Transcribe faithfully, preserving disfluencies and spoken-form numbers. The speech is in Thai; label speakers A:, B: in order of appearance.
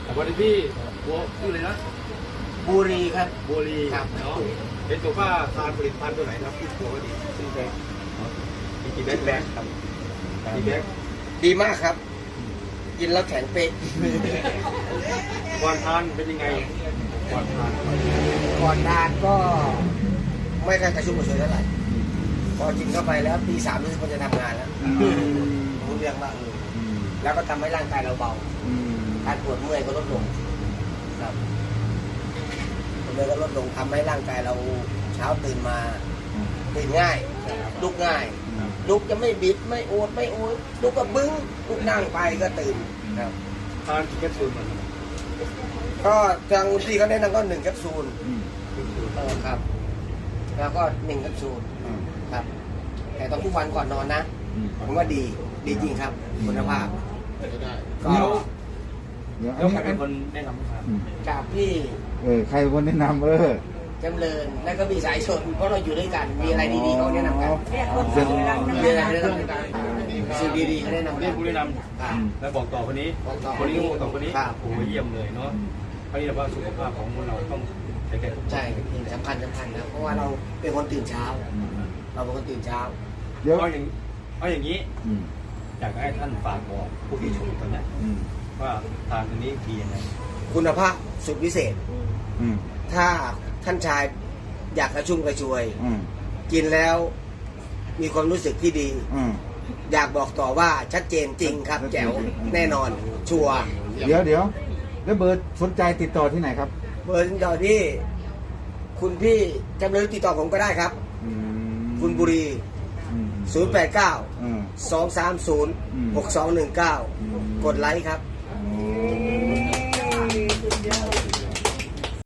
A: วันนี้พี่บัวชื่ออะไรนะ
B: บุรีครับ
A: บัวลี
B: ครับ
A: เนาะเป็นตัวว่าทานผลิตภัณฑ์ตัวไหนครับที่ตัวก็ดีซีแบกซีแบกแบกครับซีแบก
B: ดีมากครับ กินแล้วแข็งเป๊ก
A: ก่อนทานเป็นยังไงก่อนทาน
B: ก่อนทานก็ไม่ค่อยกระชุ่มกระชวยเท่าไหร่พอกินเข้าไปแล้วตีสามรู้สึกมันจะทำงานแล้วรู้เรื่องบ้างเออแล้วก็ทำให้ร่างกายเราเบาการปวดเมื่อยก็ลดลงครับปวดเมื่อยก็ลดลงทำให้ร่างกายเราเช้าตื่นมาตื่นง่ายลุกง่ายลุกจะไม่บิดไม่โอดไม่โอยลุกก็บึ้งลุกนั่งไปก็ตื่นครับ
A: ทานกี่แคปซูลมัน
B: ก็ทางที่เขาแนะนำก็หนึ่งแคปซูลเออครับ แล้วก็หนึ่งแคปซูลครับ แต่ต้องทุกวันก่อนนอนนะผมว่าดีดีจริงครับคุณภาพก็
C: เดี๋ยว
A: แล้วใครเป็นคนแนะนำครับ
B: จากพี่
C: เออใครเป็นคนแนะนำเออ
B: จำเริญแล้วก็มีสายชนเพราะเราอยู่ด้วยกันมีอะไรดีๆเขาแนะนำกัน
C: เรียกคนสวยรัก
B: มีอะไรแนะนำกันสิ่งดีๆเขาแนะนำ
A: เรี
B: กั
A: ยก
B: น
A: ผู้แนะน
B: ครับ
A: ำแล้วบอกต่อคนนี้
B: บอกต่อ
A: คนนี้ก็บอกต่อคนนี้
B: ครับ
A: โอ้โหเยี่ยมเลยเนาะเพราะนี่ว่าสุขภาพของเราต้องใช้แก่ทุก
B: ใช่สำคัญสำคัญนะเพราะว่าเราเป็นคนตื่นเช้า เราเป็นคนตื่นเช้า
C: เดี๋ยว
A: เอาอย่างเอาอย่างนี้
C: อืม
A: อยากให้ท่านฝากบอกผู้ที่ชมตอนนี้
C: อืม
A: ว่าทานตัวนี้ดียังไง
B: คุณภาพสุดพิเศษ
C: อืม
B: ถ้าท่านชายอยากกระชุ่มกระชวย
C: อืม
B: กินแล้วมีความรู้สึกที่ดี
C: อืม
B: อยากบอกต่อว่าชัดเจนจริงครับ แจ๋วแน่นอนชัวร์
C: เดี๋ยวเดี๋ยวแล้วเบอร์สนใจติดต่อที่ไหนครับ
B: เบอร์ติดต่อที่คุณพี่จำเลยติดต่อผมก็ได้ครับ
C: อืม
B: คุณบุรี
C: อืม
B: ศูนย์ แปด เก้า
C: อืม
B: สอง สาม ศูนย์ หก สอง หนึ่ง เก้า
C: อืม
B: กดไลค์ครับ